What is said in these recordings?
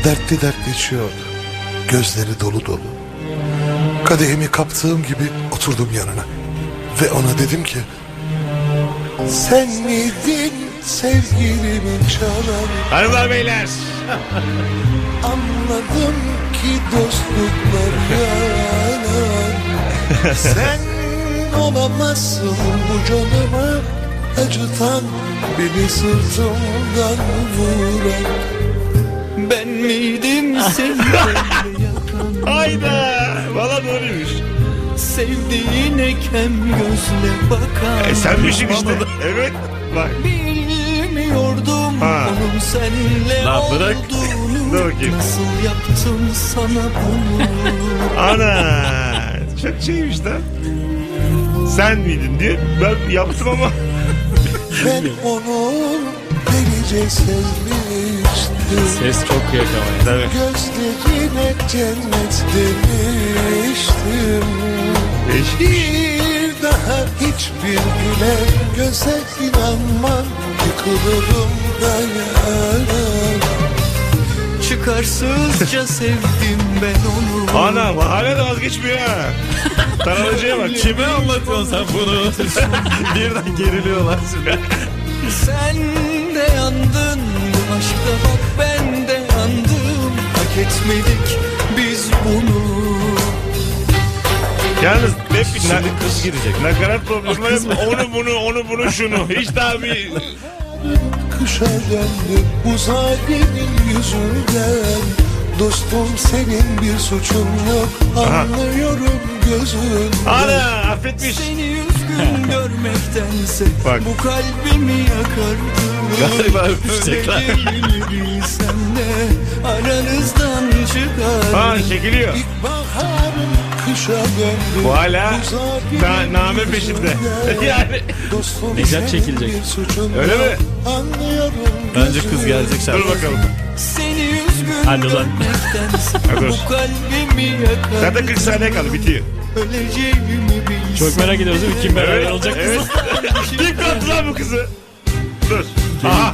dertli dertli içiyordu. Gözleri dolu dolu. Kadehimi kaptığım gibi oturdum yanına. Ve ona dedim ki, sen miydin sevgilimin çalanı? Hanımlar beyler. Anladım ki dostluklar yalan. Sen olamazsın bu canımı acıtan, beni sırtımdan vuran. Ben miydim seni böyle yakan? Hayda. Valla doğruymuş. Sevdiğine kem gözle bakan. Senmişsin işte. Evet. Bak. Bilmiyordum Ha. onun senle Lan bırak. olduğunu. Dur bakayım. Nasıl yaptım sana bunu? Ana. Çok şeymiş lan. Sen miydin diye ben yaptım ama. Ben onu delice sevmiştim. Ses çok kıyak ama. Tabii. Gözlerine cennet demiştim. Bir daha hiçbir gülen göze inanmam. Yıkılırım dayanamam. Çıkarsızca sevdim ben onu. Anam hala da vazgeçmiyor ha. Taralıcıya bak. Kime anlatıyorsun sen bunu? Birden geriliyorlar şimdi. Sen de yandın bu aşkta, bak ben de yandım. Hak etmedik biz bunu. Yalnız hep bir Şimdi kız girecek. nakarat problemi var. Onu bunu şunu. Hiç daha bir... Kışa döndü bu zalimin yüzünden. Dostum senin bir suçun yok. Anlıyorum gözünden. Ana affetmiş. Seni üzgün görmektense Bak. bu kalbimi yakardı. Galiba öpüşecekler. Öleceğimi bilsem de aranızdan çıkar. Ha çekiliyor. İlkbaharım kışa döndü. Bu hala Bu zalimin name peşinde. Yani. Dostum Necat senin çekilecek. bir suçun Öyle yok. mi? Anlıyorum Bence kız gözünden. gelecek şarkı. Dur bakalım. Seni üzgün Hadi lan. görmektense Hadi dur. bu kalbimi yakardı. Zaten 40 saniye kaldı bitiyor. Öleceğimi bilsem. Çok merak ediyoruz değil mi? Kim beraber Evet, olacak evet. kız? Kim kaptı lan bu kızı? Dur. Aha.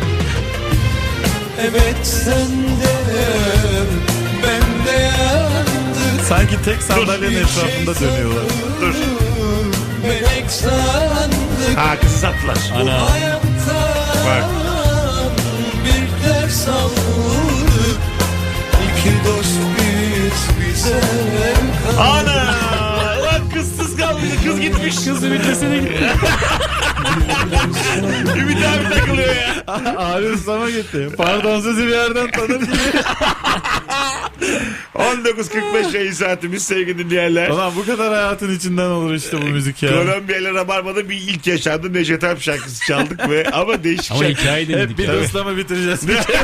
Evet sen de ben de yandık. Sanki tek sandalyenin etrafında dönüyorlar. Dur. Melek sandık. Ha kızı sattılar. Ana. Hayattan Bak. bir ders aldık. İki dost biz bize kaldık. Ana. Lan kızsız kaldı. Kız gitmiş. Kız ümitesine gitti. Ümit abi takılıyor ya. Abi ıslama gitti. Pardon sözü bir yerden tanıdım. 19.45 yayın saatimiz sevgili dinleyenler. Ulan bu kadar hayatın içinden olur işte bu müzik ya. Kolombiya ile Rabarba'da bir ilk yaşandı. Necdet Alp şarkısı çaldık ve ama değişik Ama şarkı. hikaye dinledik. Hep Bir bir de ıslama bitireceğiz. Bir kere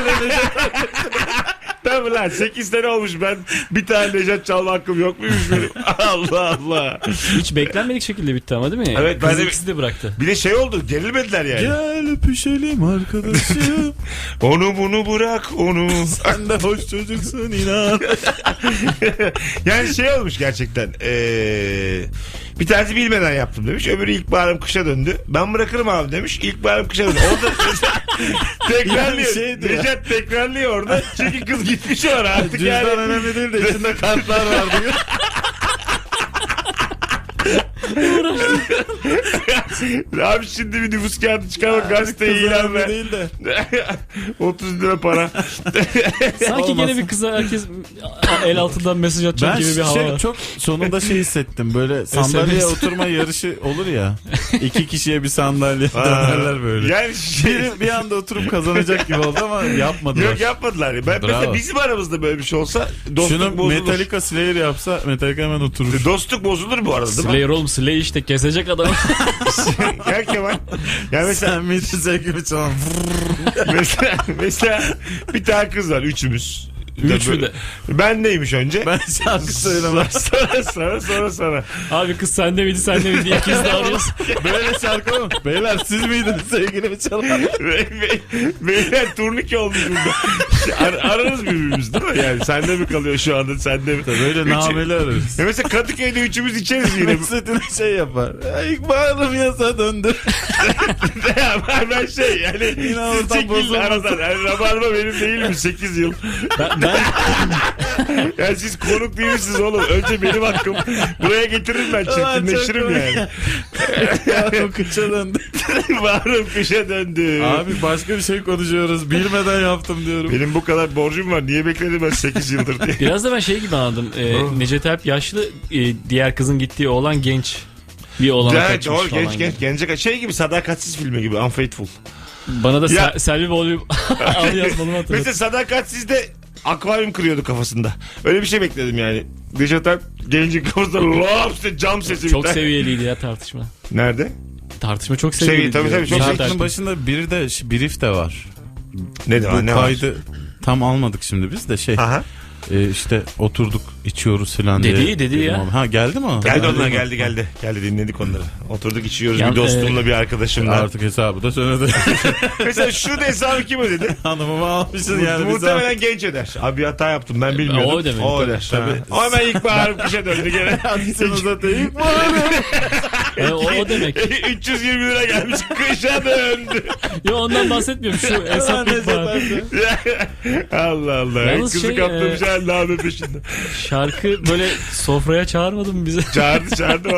Tabii lan 8 sene olmuş ben bir tane Necdet çalma hakkım yok muymuş benim? Allah Allah. Hiç beklenmedik şekilde bitti ama değil mi? Evet, Kız ben de- ikisi de bıraktı. Bir de şey oldu gerilmediler yani. Gel öpüşelim arkadaşım. Onu bunu bırak onu. Sen de hoş çocuksun inan. Yani şey olmuş gerçekten. Bir tanesi bilmeden yaptım demiş. Öbürü ilkbaharım kışa döndü. Ben bırakırım abi demiş. İlkbaharım kışa döndü. Orada tekrarlıyor. Yani şeydi ya. Necdet tekrarlıyor orada. Çünkü kız gitmiş oraya artık Cüzdan yani. önemli değil de içinde kartlar var diyor. Abi şimdi bir nüfus kağıdı çıkarmak gazeteye Kız ilan önemli ver. değil de. 30 lira para. Sanki Olmaz. gene bir kıza herkes el altından mesaj atacak Ben gibi bir hava var. çok sonunda şey hissettim. Böyle sandalyeye oturma yarışı olur ya. 2 kişiye bir sandalye dönerler böyle. Yani Biri bir anda oturup kazanacak gibi oldu ama yapmadılar. yok yapmadılar. Ben, Bravo. mesela bizim aramızda böyle bir şey olsa dostluk Şunu bozulur. Metallica Slayer yapsa Metallica hemen oturur. Dostluk bozulur bu arada değil mi? Slayer oğlum Slayer işte kesecek adamı. Gel Kemal. Yani mesela, Sen miydin sevgimi çalan? mesela bir tane kız var üçümüz. Üç mü de? Ben neymiş önce? Ben şarkı söylemem. Sonra. Abi kız sende miydi sende miydi diye ikimiz de arıyoruz. Böyle şarkı mı? Beyler siz miydiniz sevgilimi çalan? Beyler turnike olmuş burada. Ararız birbirimizi değil mi? Yani sende mi kalıyor şu anda, sende mi? Böyle nameli ararız. Ya mesela Kadıköy'de üçümüz içeriz yine. Mesut'un şey yapar. İkbalım yasa döndü. Ya ben şey yani Yine oradan siz çekilin bozulmasın. aradan. Yani Rabarba benim değil mi 8 yıl? Ben Yani siz konuk değil misiniz oğlum? Önce benim hakkım. Buraya getiririm ben, çirkinleşirim yani. O kıça döndü. Bağırım kışa döndü. Abi başka bir şey konuşuyoruz. Bilmeden yaptım diyorum. Benim bu kadar borcum var. Niye bekledim ben 8 yıldır diye. biraz da ben şey gibi anladım. Necdet Alp yaşlı, diğer kızın gittiği oğlan genç. Bir oğlana Evet, kaçmış doğru, falan. genç gence şey gibi, Sadakatsiz filmi gibi, Unfaithful. Bana da Ya- Selvi Bolü al yazmalımı hatırladım. Mesela Sadakatsiz'de akvaryum kırıyordu kafasında. Öyle bir şey bekledim yani. Necdet Alp gencin kafasında lop işte cam sesi. Çok bir tane. seviyeliydi ya tartışma. Nerede? Tartışma çok seviyeliydi. Tabii, çok Necdet seviyeli. Şarkının Alp. başında bir de brief de var. Ne de var, Bu ne var? kaydı tam almadık şimdi biz de şey. Aha. İşte oturduk içiyoruz falan diye. Dedi ya. Dedim, ha geldi mi o? Geldi onlar, mi? geldi. Geldi, dinledik onları. Oturduk içiyoruz, Ya, bir dostumla bir arkadaşımla. Artık hesabı da söyledi. Mesela şurada hesabı kim ödedi? Hanımımı almışsın yani. biz Muhtemelen genç öder. Abi bir hata yaptım, ben bilmiyordum. O ödemeli, O tabii. öder. Tabii. Ama ben ilk bağırıp kışa döndü gene. Sen uzatayım. O demek. 320 lira gelmiş, kışa döndü. Yo, ondan bahsetmiyorum. Şu hesap ihbarı. Allah Allah. Yalnız Kızı şey, kaptırmış hala abi peşinde. Şarkı böyle sofraya çağırmadın mı bizi? Çağırdı